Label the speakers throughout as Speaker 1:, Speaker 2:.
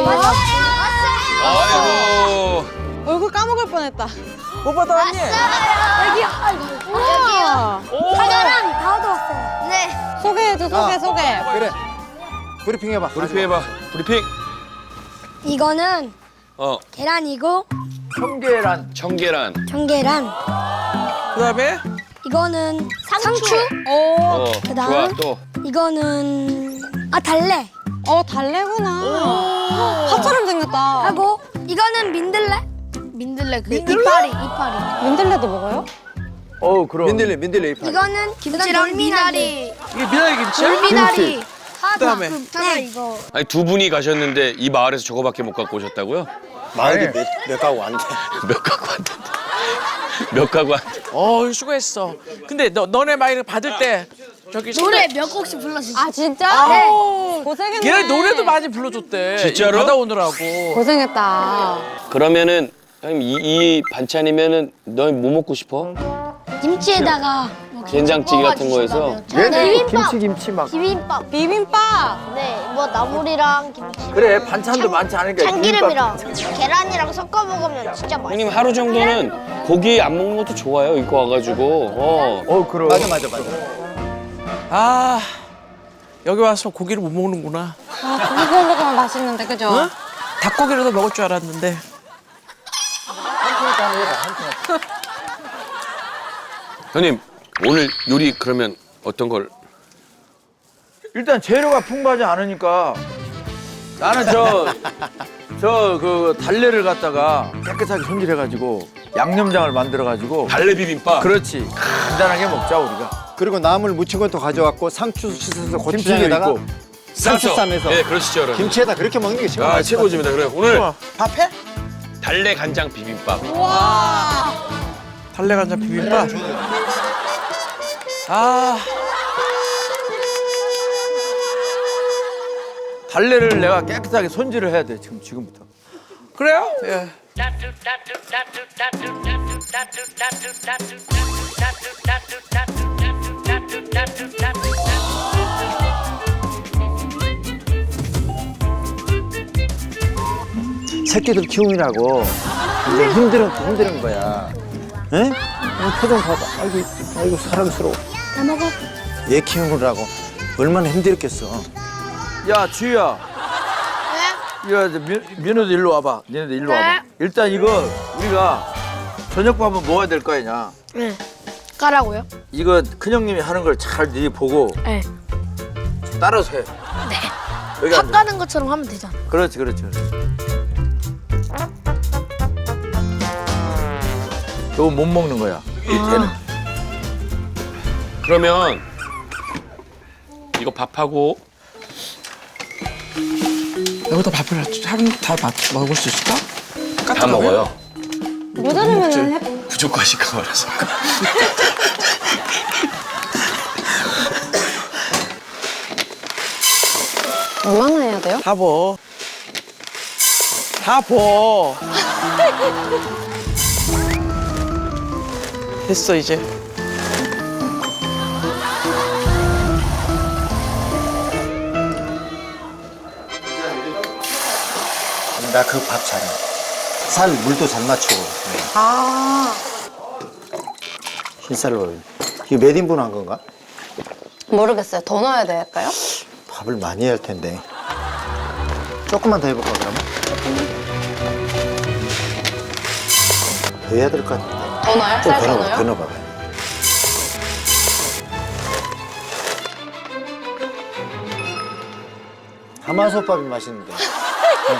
Speaker 1: 아이고.
Speaker 2: 얼굴 까먹을 뻔했다.
Speaker 3: 못 받아왔니?
Speaker 4: 여기요.
Speaker 2: 우와.
Speaker 4: 사과랑 다 얻어왔어요. 네.
Speaker 2: 소개해줘, 소개.
Speaker 5: 그래. 브리핑 해봐.
Speaker 1: 브리핑 해봐. 브리핑.
Speaker 4: 이거는
Speaker 1: 어.
Speaker 4: 계란이고
Speaker 3: 청계란.
Speaker 1: 청계란.
Speaker 4: 전계란.
Speaker 3: 그다음에
Speaker 4: 이거는 상추.
Speaker 2: 오.
Speaker 1: 어.
Speaker 4: 그다음?
Speaker 1: 좋아 또.
Speaker 4: 이거는 달래.
Speaker 2: 달래구나. 파처럼 생겼다.
Speaker 4: 하고 이거는 민들레. 민들레 이파리.
Speaker 2: 민들레도 먹어요?
Speaker 3: 그럼.
Speaker 5: 민들레 이파.
Speaker 4: 이거는 김치랑 미나리.
Speaker 3: 이게 미나리 김치야?
Speaker 4: 미나리.
Speaker 3: 그다음에
Speaker 4: 네. 이거.
Speaker 1: 아니 두 분이 가셨는데 이 마을에서 저거밖에 못 갖고 오셨다고요?
Speaker 5: 마을이 몇 가구 안 돼.
Speaker 1: 몇 가구 안 된다. 몇 가구 안 된다.
Speaker 3: 수고했어. 근데 너네 마이를 받을 때 저기
Speaker 4: 노래 몇 곡씩 불러주세요.
Speaker 2: 아, 진짜?
Speaker 4: 네.
Speaker 2: 고생했네.
Speaker 3: 얘네 노래도 많이 불러줬대.
Speaker 1: 진짜로?
Speaker 3: 이거 받아오느라고.
Speaker 2: 고생했다.
Speaker 1: 그러면은 형님 이 반찬이면은 너 뭐 먹고 싶어?
Speaker 4: 김치에다가
Speaker 1: 된장찌개 같은 거에서.
Speaker 4: 네.
Speaker 3: 김치 막.
Speaker 4: 비빔밥.
Speaker 2: 비빔밥.
Speaker 4: 네. 뭐 나물이랑 김치.
Speaker 3: 그래 반찬도 많지 않으니까.
Speaker 4: 참기름이랑 계란이랑 섞어 먹으면 진짜 맛있어.
Speaker 1: 형님 하루 정도는 고기 안 먹는 것도 좋아요. 이거 와가지고.
Speaker 3: 그럼.
Speaker 5: 맞아.
Speaker 3: 아 여기 와서 고기를 못 먹는구나.
Speaker 2: 고기 구워 먹으면 맛있는데, 그죠?
Speaker 3: 응? 닭고기라도 먹을 줄 알았는데.
Speaker 1: 형님 오늘 요리 그러면 어떤 걸?
Speaker 6: 일단 재료가 풍부하지 않으니까 나는 그 달래를 갖다가 깨끗하게 손질해가지고 양념장을 만들어가지고
Speaker 1: 달래 비빔밥.
Speaker 6: 그렇지 간단하게 먹자 우리가.
Speaker 5: 그리고 나물 무친 것도 가져왔고 상추 씻어서
Speaker 6: 김치도
Speaker 5: 고추장에다가
Speaker 6: 있고.
Speaker 5: 상추 쌈에서
Speaker 1: 네, 그러시죠, 여러분.
Speaker 5: 김치에다 그렇게 먹는 게 최고.
Speaker 1: 아, 최고입니다. 그래 오늘
Speaker 3: 밥해?
Speaker 1: 달래 간장 비빔밥.
Speaker 3: 달래 간장 비빔밥.
Speaker 6: 달래를 내가 깨끗하게 손질을 해야 돼 지금부터.
Speaker 3: 그래요? 예.
Speaker 5: 새끼들 키우느라고 이제 힘든 거야. 응? 표정 봐봐. 아이고 사랑스러워.
Speaker 4: 다 먹어.
Speaker 5: 얘 키우느라고 얼마나 힘들었겠어.
Speaker 6: 야 주희야.
Speaker 4: 네?
Speaker 6: 이거 이제 민우도 일로 와봐. 니네도 일로 와봐. 일단 이거 우리가 저녁밥은 먹어야 될 거 아니냐.
Speaker 4: 네. 까라고요?
Speaker 6: 이거 큰형님이 하는 걸 잘 네 보고
Speaker 4: 네.
Speaker 6: 따라서 해.
Speaker 4: 네.
Speaker 6: 여기
Speaker 4: 밥
Speaker 6: 앉아.
Speaker 4: 까는 것처럼 하면 되잖아.
Speaker 6: 그렇지. 이거 못 먹는 거야. 얘는.
Speaker 1: 그러면 이거 밥하고
Speaker 3: 여기다 밥을 다 먹을 수 있을까?
Speaker 1: 다 먹어요.
Speaker 2: 모자르면은 해.
Speaker 1: 부족하실까 말아서.
Speaker 2: 얼마나 해야 돼요?
Speaker 3: 다 버. 다 버. 됐어 이제.
Speaker 5: 나 그 밥 잘해. 살 물도 잘 맞추고. 흰쌀로. 이거 몇 인분 한 건가?
Speaker 2: 모르겠어요. 더 넣어야 될까요?
Speaker 5: 밥을 많이 해야 할 텐데. 조금만 더 해볼까 그러면? 더 해야 될 것 같은데.
Speaker 2: 더 넣어요?
Speaker 5: 좀
Speaker 2: 쌀 더
Speaker 5: 더
Speaker 2: 넣어요?
Speaker 5: 넣어봐봐. 가마솥밥이 맛있는데. 네.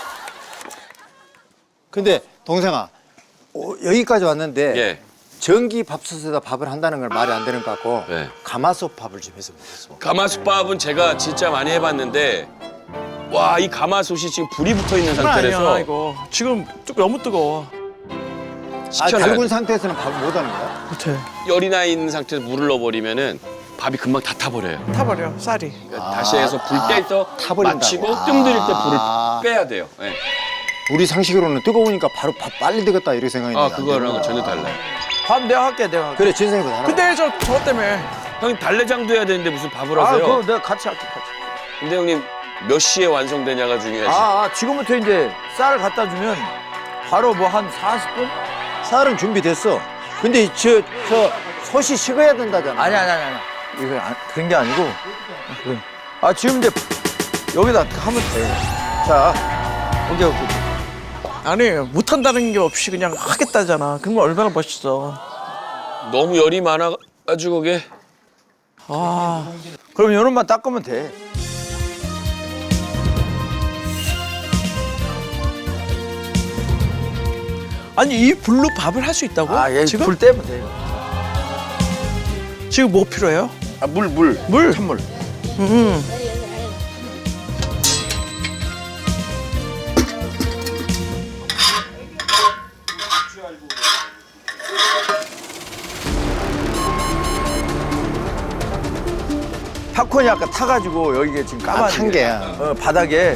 Speaker 5: 근데 동생아, 여기까지 왔는데
Speaker 1: 예.
Speaker 5: 전기 밥솥에다 밥을 한다는 걸 말이 안 되는 것 같고
Speaker 1: 네.
Speaker 5: 가마솥밥을 좀 해서 먹었어.
Speaker 1: 가마솥밥은 제가 진짜 많이 해봤는데 와, 이 가마솥이 지금 불이 붙어 있는
Speaker 3: 그건 아니야
Speaker 1: 상태라서
Speaker 3: 이거. 지금 너무 뜨거워.
Speaker 1: 식혀놔야
Speaker 5: 달군
Speaker 1: 돼.
Speaker 5: 상태에서는 밥을 못 하는 거야?
Speaker 3: 못해.
Speaker 1: 열이 나 있는 상태에서 물을 넣어버리면은 밥이 금방 다 타버려요.
Speaker 3: 타버려 쌀이.
Speaker 1: 그러니까 다시 해서 불 뗄 때
Speaker 5: 타버린다고.
Speaker 1: 마치고 뜸들일 때 불을 빼야 돼요. 예.
Speaker 5: 우리 상식으로는 뜨거우니까 바로 밥 빨리 되겠다 이렇게 생각했는데.
Speaker 1: 아, 그거랑 전혀 달라요.
Speaker 6: 밥 내가 할게.
Speaker 5: 그래 진생도 하나.
Speaker 3: 근데 저것 때문에
Speaker 1: 형님 달래장도 해야 되는데 무슨 밥을
Speaker 6: 아
Speaker 1: 하세요?
Speaker 6: 그럼 내가 같이 할게.
Speaker 1: 근데 형님 몇 시에 완성되냐가 중요하지.
Speaker 6: 지금부터 이제 쌀을 갖다 주면 바로 뭐 한 40분?
Speaker 5: 쌀은 준비됐어. 근데 저 솥이 식어야 된다잖아.
Speaker 6: 아니. 이거 그런 게 아니고. 지금 이제 여기다 하면 돼. 자, 오케이.
Speaker 3: 아니 못한다는 게 없이 그냥 하겠다잖아. 그런 거 얼마나 멋있어.
Speaker 1: 너무 열이 많아가지고 그게.
Speaker 6: 그럼 요런만 닦으면 돼.
Speaker 3: 아니 이 불로 밥을 할 수 있다고?
Speaker 6: 얘
Speaker 3: 지금?
Speaker 6: 불 떼면 돼.
Speaker 3: 지금 뭐 필요해요?
Speaker 6: 물.
Speaker 3: 물?
Speaker 6: 찬물. 팝콘이 아까 타가지고 여기가 지금 까만
Speaker 5: 탄 게야.
Speaker 6: 바닥에.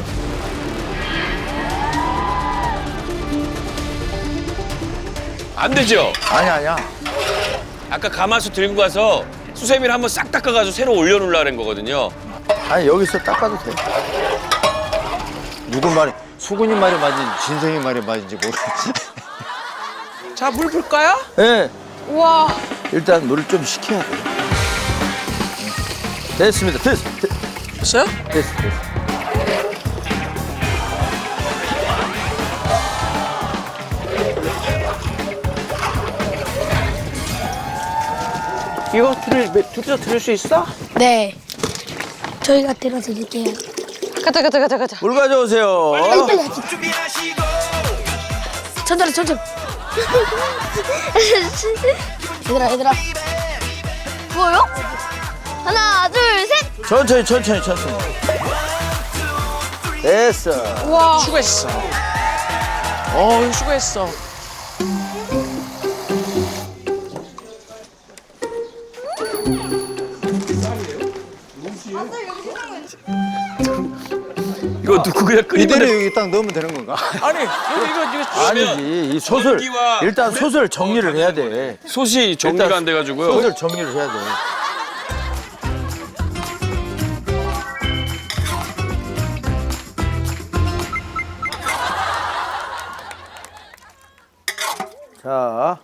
Speaker 1: 안 되죠?
Speaker 6: 아니야.
Speaker 1: 아까 가마솥 들고 가서 수세미를 한번 싹 닦아가지고 새로 올려놓으려는 거거든요.
Speaker 6: 아니 여기서 닦아도 돼.
Speaker 5: 누구 말이 수근이 말이 맞은지 진성이 말이 맞은지 모르겠지.
Speaker 3: 자, 물 불까요?
Speaker 6: 네.
Speaker 2: 우와.
Speaker 6: 일단 물을 좀 식혀야 돼. 됐습니다.
Speaker 3: 됐어요?
Speaker 6: 됐어.
Speaker 3: 이거 둘이서 들을 수 있어?
Speaker 7: 네. 저희가 들어드릴게요.
Speaker 2: 가자.
Speaker 6: 물 가져오세요.
Speaker 7: 빨리 하지. 천천히. 얘들아.
Speaker 4: 뭐요? 하나, 둘, 셋.
Speaker 6: 천천히. 됐어.
Speaker 2: 우와.
Speaker 3: 수고했어. 수고했어.
Speaker 1: 이거 넣고 그냥 끓이면
Speaker 5: 이대로
Speaker 1: 돼.
Speaker 5: 여기 딱 넣으면 되는 건가?
Speaker 3: 아니 이거
Speaker 6: 아니지. 이 솥을
Speaker 1: 전기와
Speaker 6: 일단
Speaker 1: 불에
Speaker 6: 솥을 정리를 해야 돼.
Speaker 1: 솥이 정리가
Speaker 6: 일단
Speaker 1: 안 돼가지고요.
Speaker 6: 솥을 정리를 해야 돼. 자.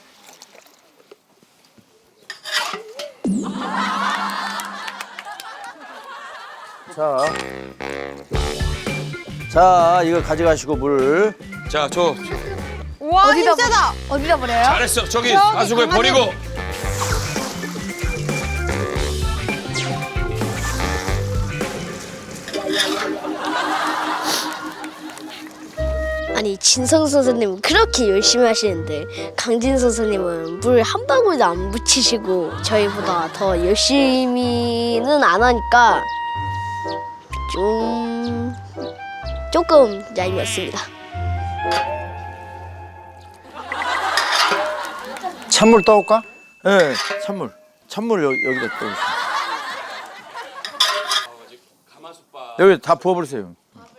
Speaker 6: 자, 이거 가져가시고 물.
Speaker 1: 자, 저
Speaker 2: 우와, 힘세다.
Speaker 7: 어디다 버려요?
Speaker 1: 잘했어. 저기 가수구에 버리고.
Speaker 7: 아니 진성 선생님은 그렇게 열심히 하시는데 강진 선생님은 물 한 방울도 안 묻히시고 저희보다 더 열심히는 안 하니까 조금 얄미웠습니다.
Speaker 5: 찬물 떠올까?
Speaker 6: 네, 찬물 여기다 떠주세요. 여기 다 부어버리세요.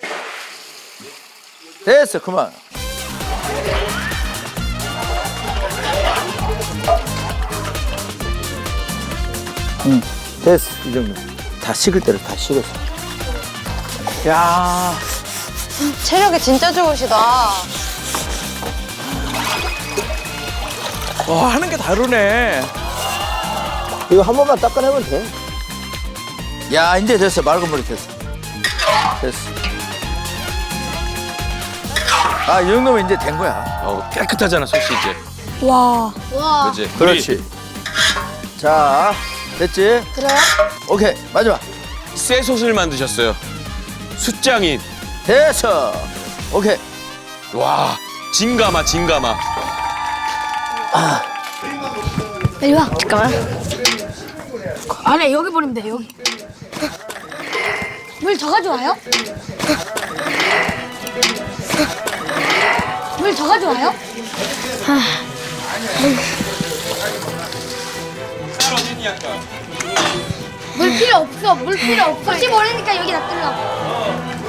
Speaker 6: 됐어, 그만. 됐어, 이 정도. 다 식을 대로 다 식었어.
Speaker 3: 야.
Speaker 2: 체력이 진짜 좋으시다.
Speaker 3: 와, 하는 게 다르네.
Speaker 6: 이거 한 번만 닦아내면 돼. 야, 이제 됐어. 맑은 물이 됐어. 이 정도면 이제 된 거야.
Speaker 1: 깨끗하잖아, 솥이 이제.
Speaker 7: 와.
Speaker 1: 그렇지.
Speaker 6: 그렇지. 자, 됐지?
Speaker 7: 들어요?
Speaker 6: 오케이, 마지막.
Speaker 1: 새 솥을 만드셨어요. 숯장인.
Speaker 6: 됐어. 오케이.
Speaker 1: 와, 진가마.
Speaker 7: 빨리 와. 잠깐만. 아니 여기 버리면 돼 여기. 물 더 가져와요? 물 더 가져와요? 물 필요 없어. 혹시 모르니까 여기 놔둘라고.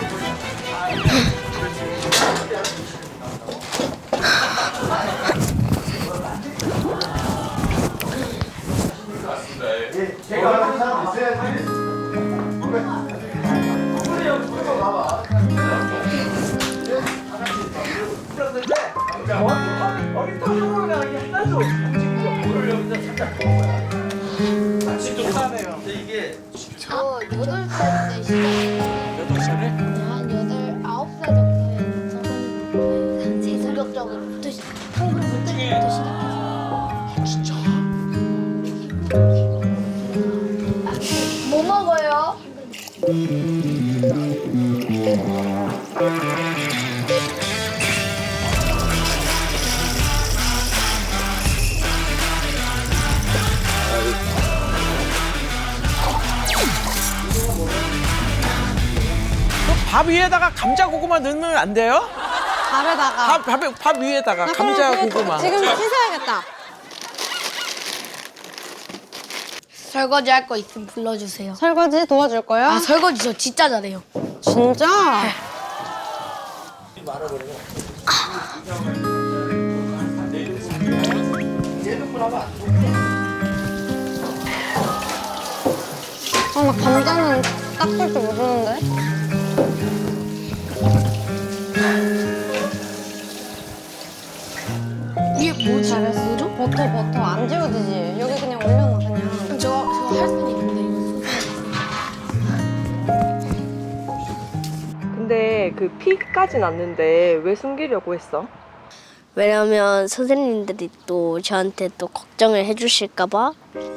Speaker 7: 저 8살 때 시작했어요.
Speaker 3: 8살에?
Speaker 7: 한 9살 정도에 본격적으로부터 한글 볼 때부터 시작해서. 뭐 먹어요?
Speaker 3: 밥 위에다가 감자 고구마 넣으면 안 돼요?
Speaker 2: 밥에다가.
Speaker 3: 밥 위에다가 감자 고구마.
Speaker 2: 지금 씻어야겠다.
Speaker 7: 설거지 할 거 있으면 불러주세요.
Speaker 2: 설거지 도와줄 거야?
Speaker 7: 아 설거지 저 진짜 잘해요.
Speaker 2: 진짜? 나 감자는 닦을 줄 모르는데.
Speaker 7: 이게 뭐지? 뭐죠?
Speaker 2: 버터 안 지워지지. 여기 그냥 올려놔 그냥.
Speaker 7: 저거 할 수는 있는데.
Speaker 8: 근데 그 피까진 않는데 왜 숨기려고 했어?
Speaker 7: 왜냐면 선생님들이 또 저한테 또 걱정을 해주실까봐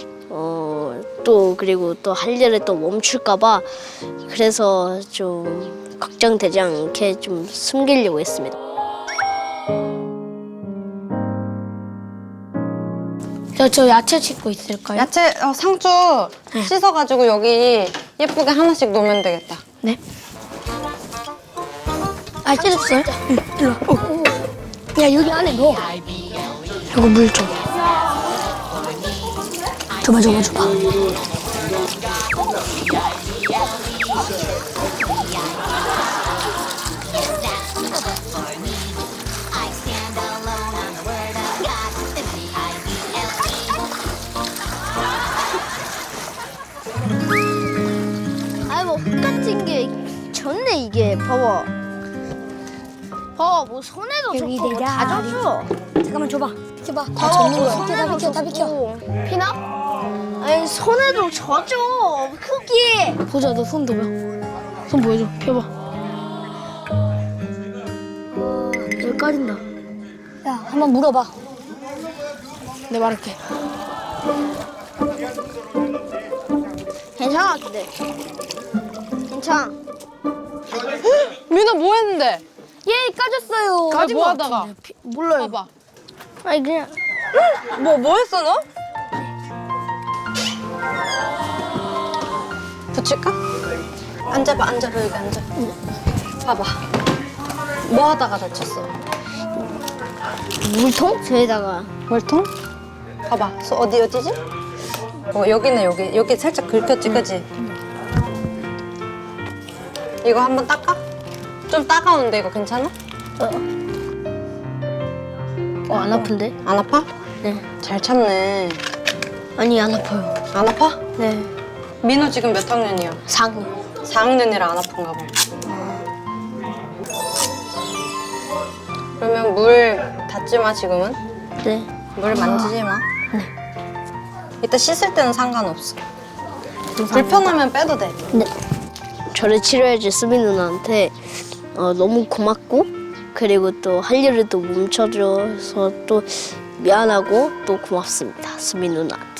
Speaker 7: 또 그리고 또 할 일을 또 멈출까봐 그래서 좀 걱정되지 않게 좀 숨기려고 했습니다. 저 야채 씻고 있을까요?
Speaker 2: 야채 상추 씻어가지고 여기 예쁘게 하나씩 놓으면 되겠다.
Speaker 7: 네. 아 찢었어요? 응. 일로 와. 야 여기 안에 넣어. 이거 물 줘. 줘봐. 아이 뭐 흙같은 게 좋네 이게 봐봐. 뭐 손에도 좋고 다 젖어. 잠깐만 줘봐. 비켜봐. 다 젖는 거야. 다 비켜. 피나? 아니 손에도 젖어. 흙이. 보자 너 손 줘봐. 손 보여줘. 펴봐. 여기 까진다. 야 한번 물어봐. 내가 말할게. 괜찮아 근데. 괜찮아.
Speaker 2: 민아 뭐 했는데?
Speaker 7: 얘 까졌어요.
Speaker 2: 까진 뭐 하다가?
Speaker 7: 몰라요.
Speaker 2: 봐봐.
Speaker 7: 아니 그냥
Speaker 2: 뭐 했어 너? 붙일까? 앉아봐 여기 앉아. 봐봐. 뭐 하다가 다쳤어?
Speaker 7: 물통? 저에다가
Speaker 2: 물통? 봐봐. 어디지? 여기네 여기 살짝 긁혔지 그지? 이거 한번 닦아? 좀 따가운데 이거 괜찮아?
Speaker 7: 안 아픈데?
Speaker 2: 안 아파?
Speaker 7: 네.
Speaker 2: 잘 참네.
Speaker 7: 아니 안 아파요.
Speaker 2: 안 아파?
Speaker 7: 네.
Speaker 2: 민호 지금 몇 학년이야?
Speaker 7: 4학년.
Speaker 2: 4학년이라 안 아픈가 봐. 그러면 물 닿지 마 지금은?
Speaker 7: 네.
Speaker 2: 물 만지지 마. 이따 씻을 때는 상관없어. 불편하면 빼도 돼.
Speaker 7: 네. 저를 치료해줄 수미 누나한테 너무 고맙고 그리고 또 할 일을 또 멈춰줘서 또 미안하고 또 고맙습니다. 수미 누나.